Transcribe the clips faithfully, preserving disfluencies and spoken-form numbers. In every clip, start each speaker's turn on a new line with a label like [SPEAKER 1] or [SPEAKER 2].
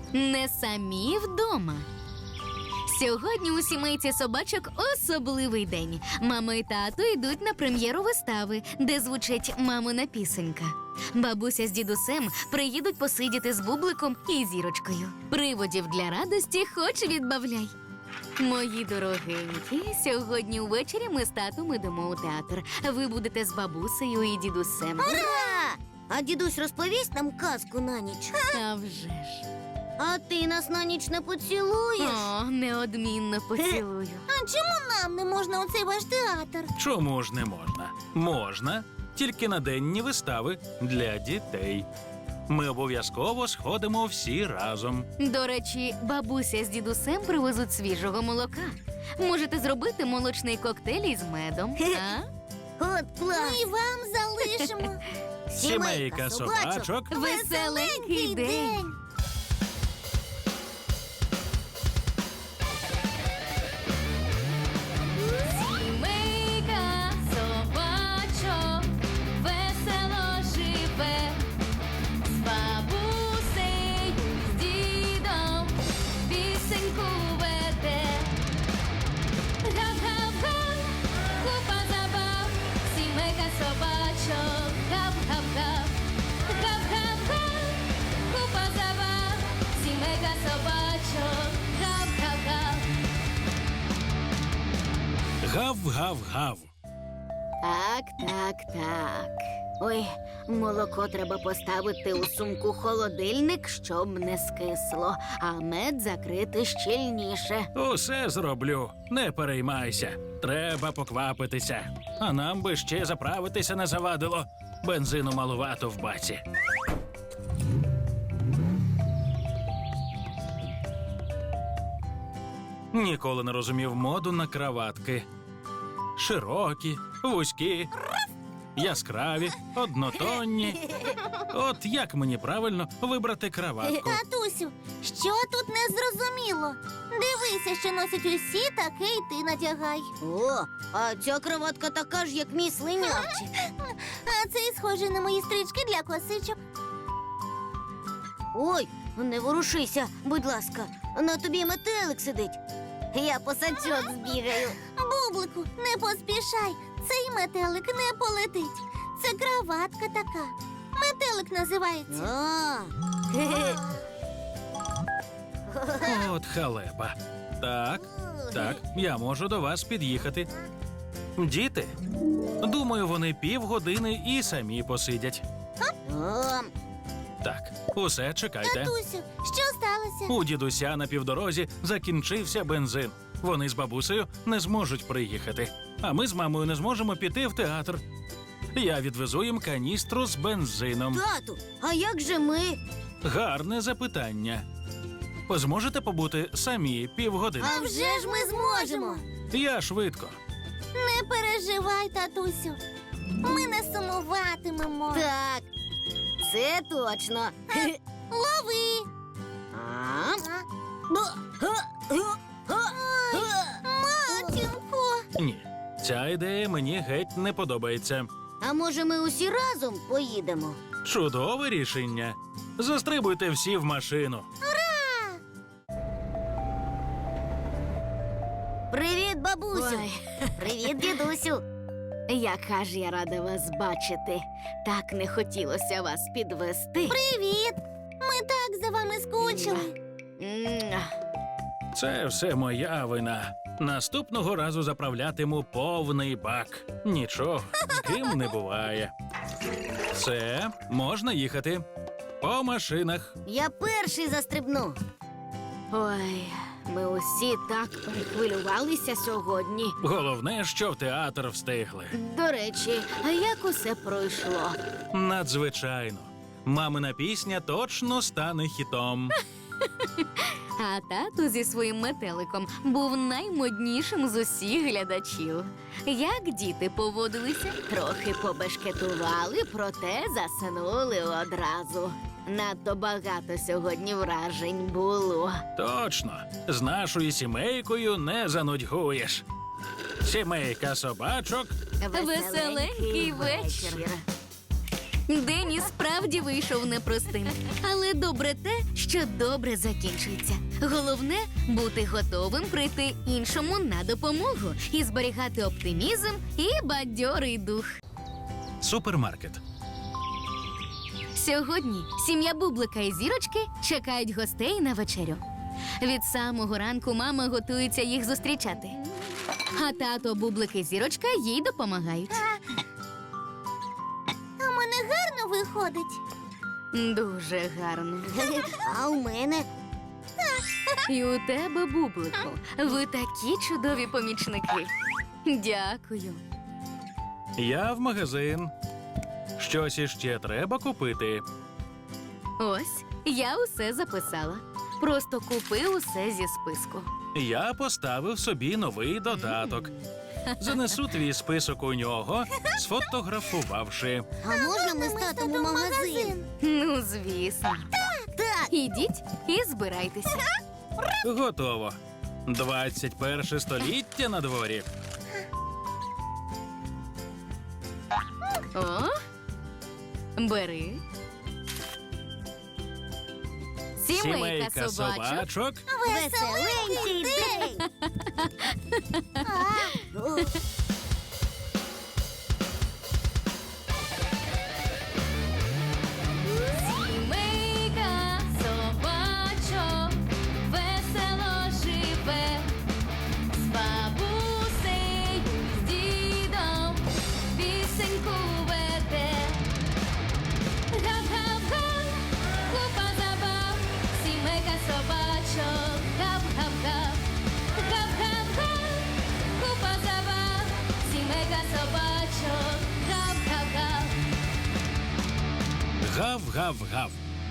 [SPEAKER 1] Не самі вдома. Сьогодні у сімейці собачок особливий день. Мама і тато йдуть на прем'єру вистави, де звучить мамина пісенька. Бабуся з дідусем приїдуть посидіти з Бубликом і Зірочкою. Приводів для радості хоч відбавляй. Мої дорогенькі, сьогодні увечері ми з татом ідемо у театр. Ви будете з бабусею і дідусем.
[SPEAKER 2] Ура! А дідусь розповість нам казку на ніч.
[SPEAKER 1] А вже ж.
[SPEAKER 2] А ти нас на ніч не поцілуєш?
[SPEAKER 1] О, неодмінно поцілую.
[SPEAKER 2] А чому нам не можна у цей ваш театр?
[SPEAKER 3] Чому ж не можна? Можна, тільки на денні вистави для дітей. Ми обов'язково сходимо всі разом.
[SPEAKER 1] До речі, бабуся з дідусем привезуть свіжого молока. Можете зробити молочний коктейль із медом. А?
[SPEAKER 2] От клас! Ми вам залишимо.
[SPEAKER 3] Сімейка собачок.
[SPEAKER 1] Веселенький день! Сімейка собачок весело живе, з бабусею, з дідом пісеньку веде. Гап-гап-га, купа забав, сімейка собачок, гап-гап-га. Гап-гап-га, купа забав, сімейка собачок, гап-гап-га.
[SPEAKER 3] Гав-гав-гав.
[SPEAKER 2] Так, так, так. Ой, молоко треба поставити у сумку холодильник, щоб не скисло, а мед закрити щільніше.
[SPEAKER 3] Усе зроблю, не переймайся. Треба поквапитися. А нам би ще заправитися не завадило. Бензину малувато в баці. Ніколи не розумів моду на краватки. Широкі, вузькі, яскраві, однотонні. От як мені правильно вибрати краватку?
[SPEAKER 4] Татусю, що тут не зрозуміло? Дивися, що носять усі, таке й ти надягай.
[SPEAKER 2] О, а ця кроватка така ж, як мій слинявчик.
[SPEAKER 4] А це й схоже на мої стрічки для косичок.
[SPEAKER 2] Ой, не ворушися, будь ласка. На тобі метелик сидить. Я по сачок збігаю.
[SPEAKER 4] Бублику, не поспішай, цей метелик не полетить. Це краватка така. Метелик називається.
[SPEAKER 2] А, хе-хе.
[SPEAKER 3] От халепа. Так, так, я можу до вас під'їхати. Діти? Думаю, вони півгодини і самі посидять.
[SPEAKER 2] А,
[SPEAKER 3] Так, усе, чекайте.
[SPEAKER 4] Татусю, що сталося?
[SPEAKER 3] У дідуся на півдорозі закінчився бензин. Вони з бабусею не зможуть приїхати. А ми з мамою не зможемо піти в театр. Я відвезу їм каністру з бензином.
[SPEAKER 2] тату, а як же ми?
[SPEAKER 3] Гарне запитання. Зможете побути самі півгодини?
[SPEAKER 4] А вже ж ми зможемо.
[SPEAKER 3] Я швидко.
[SPEAKER 4] Не переживай, татусю. Ми не сумуватимемо.
[SPEAKER 2] Так, це точно. Хе-хе.
[SPEAKER 4] Лови.
[SPEAKER 2] А?
[SPEAKER 4] А?
[SPEAKER 2] Бу- га- га- га- га.
[SPEAKER 4] Матінко.
[SPEAKER 3] Ні, ця ідея мені геть не подобається.
[SPEAKER 2] А може ми усі разом поїдемо?
[SPEAKER 3] Чудове рішення. Застрибуйте всі в машину.
[SPEAKER 2] Привіт, бабусю.
[SPEAKER 1] Ой.
[SPEAKER 2] Привіт, дідусю.
[SPEAKER 1] Яка ж я рада вас бачити. Так не хотілося вас підвести.
[SPEAKER 4] Привіт. Ми так за вами скучили.
[SPEAKER 1] М,
[SPEAKER 3] Це все моя вина. Наступного разу заправлятиму повний бак. Нічого, з ким не буває. Все, можна їхати. По машинах.
[SPEAKER 2] Я перший застрибну.
[SPEAKER 1] Ой, ми усі так перехвилювалися сьогодні.
[SPEAKER 3] Головне, що в театр встигли.
[SPEAKER 1] До речі, а як усе пройшло?
[SPEAKER 3] Надзвичайно. Мамина пісня точно стане хітом.
[SPEAKER 1] А тато зі своїм метеликом був наймоднішим з усіх глядачів. Як діти поводилися? Трохи побешкетували, проте заснули одразу. Надто багато сьогодні вражень було.
[SPEAKER 3] Точно, з нашою сімейкою не занудьгуєш. Сімейка собачок.
[SPEAKER 1] Веселенький вечір. День і справді вийшов непростим. Але добре те, що добре закінчується. Головне бути готовим прийти іншому на допомогу і зберігати оптимізм і бадьорий дух.
[SPEAKER 3] Супермаркет.
[SPEAKER 1] Сьогодні сім'я Бублика і Зірочки чекають гостей на вечерю. Від самого ранку мама готується їх зустрічати. А тато Бублик і Зірочка їй допомагають.
[SPEAKER 4] А в мене гарно виходить.
[SPEAKER 1] Дуже гарно.
[SPEAKER 2] А у мене
[SPEAKER 1] І у тебе, Бублику, ви такі чудові помічники. Дякую.
[SPEAKER 3] Я в магазин. Щось іще треба купити.
[SPEAKER 1] Ось, я усе записала. Просто купи усе зі списку.
[SPEAKER 3] Я поставив собі новий додаток. Занесу твій список у нього, сфотографувавши.
[SPEAKER 2] а можна ми з татом у магазин?
[SPEAKER 1] Ну, звісно.
[SPEAKER 2] Так.
[SPEAKER 1] Ідіть і збирайтеся.
[SPEAKER 3] Готово. двадцять перше століття на дворі.
[SPEAKER 1] О, бери. Сімейка собачок.
[SPEAKER 3] собачок.
[SPEAKER 4] Веселенький день.
[SPEAKER 2] О,
[SPEAKER 1] Сімейка собачок весело живе, з бабусею, з дідом пісеньку веде. Гап-гап-га, купа забав, сімейка собачок, гап-гап-га. Гап-гап-га, купа забав, сімейка собачок, гап-гап-га.
[SPEAKER 3] Гав-гав-гав.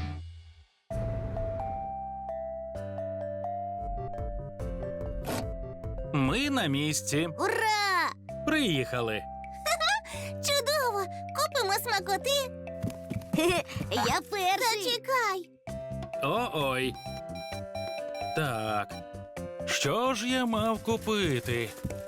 [SPEAKER 3] Ми на місці.
[SPEAKER 4] Ура!
[SPEAKER 3] Приїхали.
[SPEAKER 4] Чудово! Купимо смакоти.
[SPEAKER 2] я перший.
[SPEAKER 4] Зачекай.
[SPEAKER 3] О-ой. Так. Що ж я мав купити?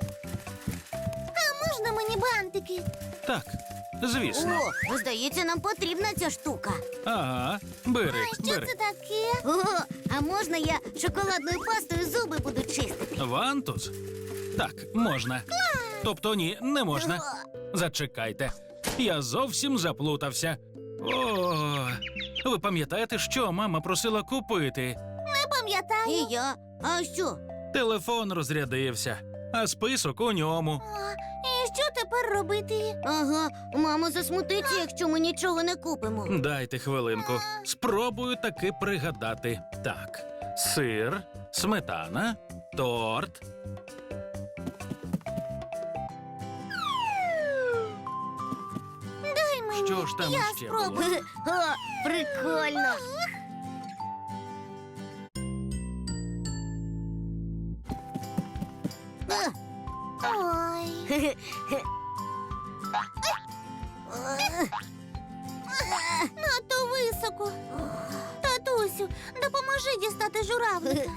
[SPEAKER 4] А можна мені бантики?
[SPEAKER 3] Так, звісно.
[SPEAKER 2] О, здається, нам потрібна ця штука.
[SPEAKER 3] Ага, бери,
[SPEAKER 4] А що
[SPEAKER 3] бери.
[SPEAKER 4] це таке?
[SPEAKER 2] О, а можна я шоколадною пастою зуби буду чистити?
[SPEAKER 3] Вантус? Так, можна. Тобто ні, не можна. Зачекайте. Я зовсім заплутався. О, ви пам'ятаєте, що мама просила купити?
[SPEAKER 4] Не пам'ятаю.
[SPEAKER 2] І я. А що?
[SPEAKER 3] Телефон розрядився, а список у ньому.
[SPEAKER 4] А, і що тепер робити?
[SPEAKER 2] Ага, мама засмутиться, якщо ми нічого не купимо.
[SPEAKER 3] Дайте хвилинку. Спробую таки пригадати. Так, сир, сметана, торт.
[SPEAKER 4] Дай мені.
[SPEAKER 3] Що ж там
[SPEAKER 4] я
[SPEAKER 3] ще
[SPEAKER 4] спробую.
[SPEAKER 3] було?
[SPEAKER 2] О, прикольно. А,
[SPEAKER 4] Ой. Надто високо. Татусю, допоможи дістати журавлика.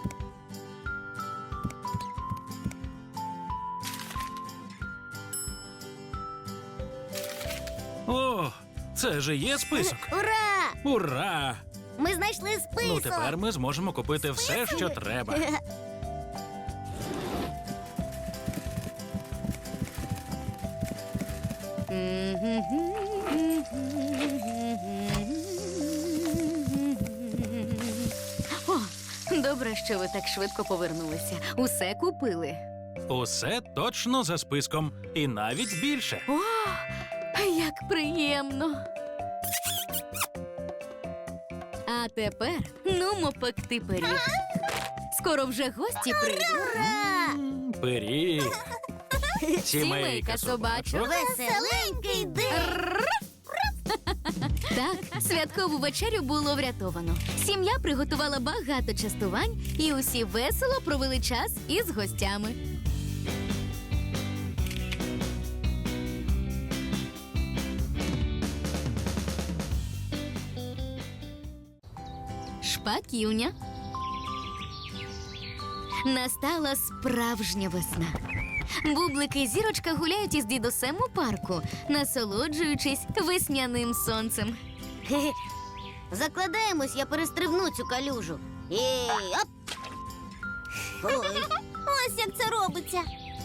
[SPEAKER 3] О, це же є список.
[SPEAKER 2] Ура!
[SPEAKER 3] Ура!
[SPEAKER 2] Ми знайшли список.
[SPEAKER 3] Ну тепер ми зможемо купити все, що треба.
[SPEAKER 1] О, добре, що ви так швидко повернулися. Усе купили.
[SPEAKER 3] Усе точно за списком, і навіть більше.
[SPEAKER 1] О, як приємно. А тепер нумо пекти пиріг. Скоро вже гості прийдуть.
[SPEAKER 3] М, Пиріг.
[SPEAKER 1] Сімейка собачок.
[SPEAKER 4] Веселенький день.
[SPEAKER 1] Так, святкову вечерю було врятовано. Сім'я приготувала багато частувань, і усі весело провели час із гостями. Шпаківня. Настала справжня весна. Бублик і зірочка гуляють із дідусем у парку, насолоджуючись весняним сонцем.
[SPEAKER 2] Хе-хе. Закладаємось, я перестрибну цю калюжу. Ей, оп! Ой,
[SPEAKER 4] Ось як це робиться.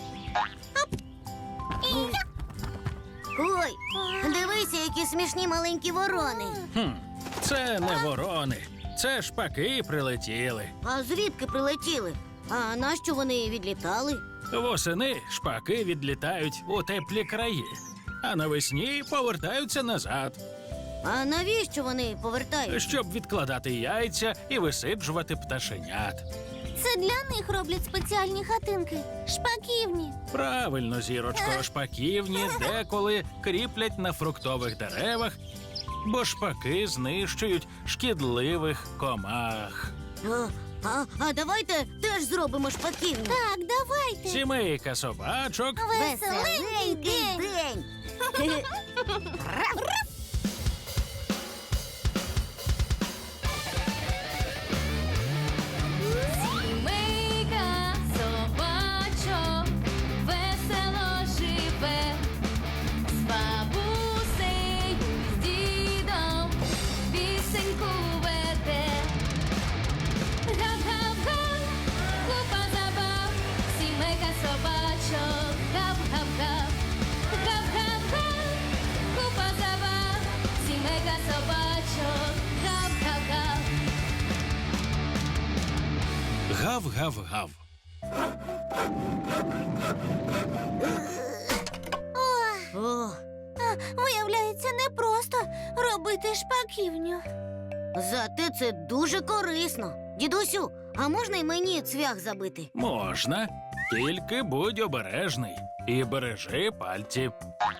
[SPEAKER 2] ой, дивися, які смішні маленькі ворони.
[SPEAKER 3] Хм, це не ворони, це шпаки прилетіли.
[SPEAKER 2] А звідки прилетіли? А нащо вони відлітали?
[SPEAKER 3] Восени шпаки відлітають у теплі краї, а навесні повертаються назад,
[SPEAKER 2] А навіщо вони повертаються?
[SPEAKER 3] щоб відкладати яйця і висиджувати пташенят.
[SPEAKER 4] Це для них роблять спеціальні хатинки. Шпаківні.
[SPEAKER 3] Правильно, зірочко, шпаківні деколи кріплять на фруктових деревах, бо шпаки знищують шкідливих комах.
[SPEAKER 2] А, а, а давайте теж зробимо шпаківню.
[SPEAKER 4] Так, давайте.
[SPEAKER 3] Сімейка собачок
[SPEAKER 4] Веселенький день.
[SPEAKER 2] день.
[SPEAKER 1] Сімейка собачок весело живе, з бабусею, з дідом пісеньку веде. Гав-гав-га, купа забав, сімейка собачок, гав-гав-гав. Гав-гав-га, купа забав, сімейка собачок, гав-гав-гав.
[SPEAKER 3] гав-гав-гав.
[SPEAKER 2] О,
[SPEAKER 4] Виявляється, непросто робити шпаківню.
[SPEAKER 2] зате це дуже корисно. Дідусю, а можна й мені цвях забити?
[SPEAKER 3] Можна, тільки будь обережний і бережи пальці.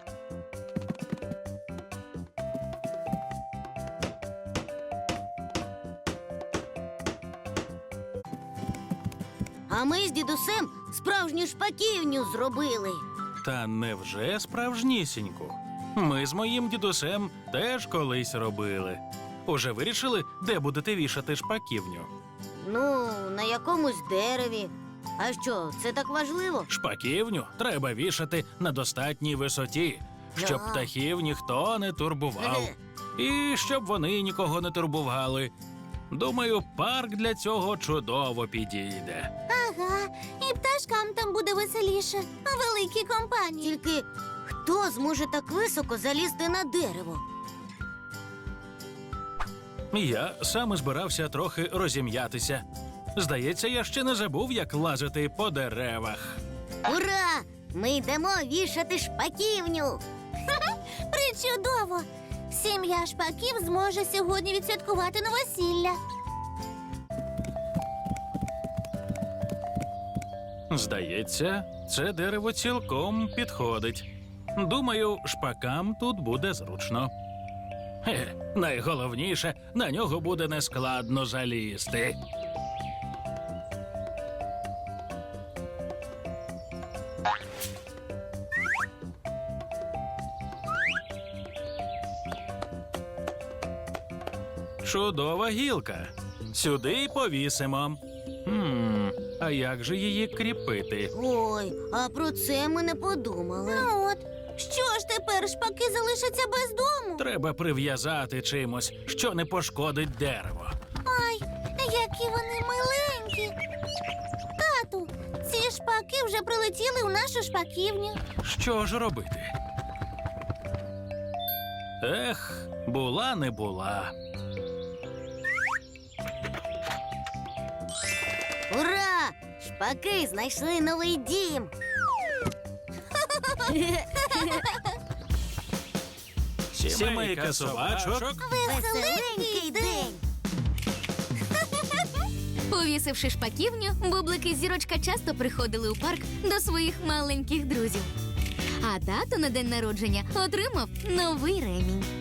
[SPEAKER 2] А ми з дідусем справжню шпаківню зробили.
[SPEAKER 3] Та невже справжнісіньку? Ми з моїм дідусем теж колись робили. Уже вирішили, де будете вішати шпаківню?
[SPEAKER 2] Ну, на якомусь дереві. А що, це так важливо?
[SPEAKER 3] Шпаківню треба вішати на достатній висоті, щоб
[SPEAKER 2] Да.
[SPEAKER 3] птахів ніхто не турбував. І щоб вони нікого не турбували. Думаю, парк для цього чудово підійде.
[SPEAKER 4] Ага, і пташкам там буде веселіше. Великі компанії.
[SPEAKER 2] Тільки хто зможе так високо залізти на дерево?
[SPEAKER 3] Я саме збирався трохи розім'ятися. Здається, я ще не забув, як лазити по деревах.
[SPEAKER 2] Ура! Ми йдемо вішати шпаківню.
[SPEAKER 4] Причудово! Сім'я шпаків зможе сьогодні відсвяткувати новосілля.
[SPEAKER 3] Здається, це дерево цілком підходить. Думаю, шпакам тут буде зручно. Хе, найголовніше, на нього буде нескладно залізти. Чудова гілка. Сюди й повісимо. Хм, а як же її кріпити?
[SPEAKER 2] Ой, а про це ми не подумали.
[SPEAKER 4] Ну от, що ж тепер шпаки залишаться без дому?
[SPEAKER 3] Треба прив'язати чимось, що не пошкодить дерево.
[SPEAKER 4] Ай, які вони миленькі. Тату, ці шпаки вже прилетіли у нашу шпаківню.
[SPEAKER 3] Що ж робити? Ех, була не була.
[SPEAKER 2] Ура! Шпаки знайшли новий дім.
[SPEAKER 3] Сімейка собачок.
[SPEAKER 2] Веселенький день.
[SPEAKER 1] Повісивши шпаківню, Бублик і Зірочка часто приходили у парк до своїх маленьких друзів. А тато на день народження отримав новий ремінь.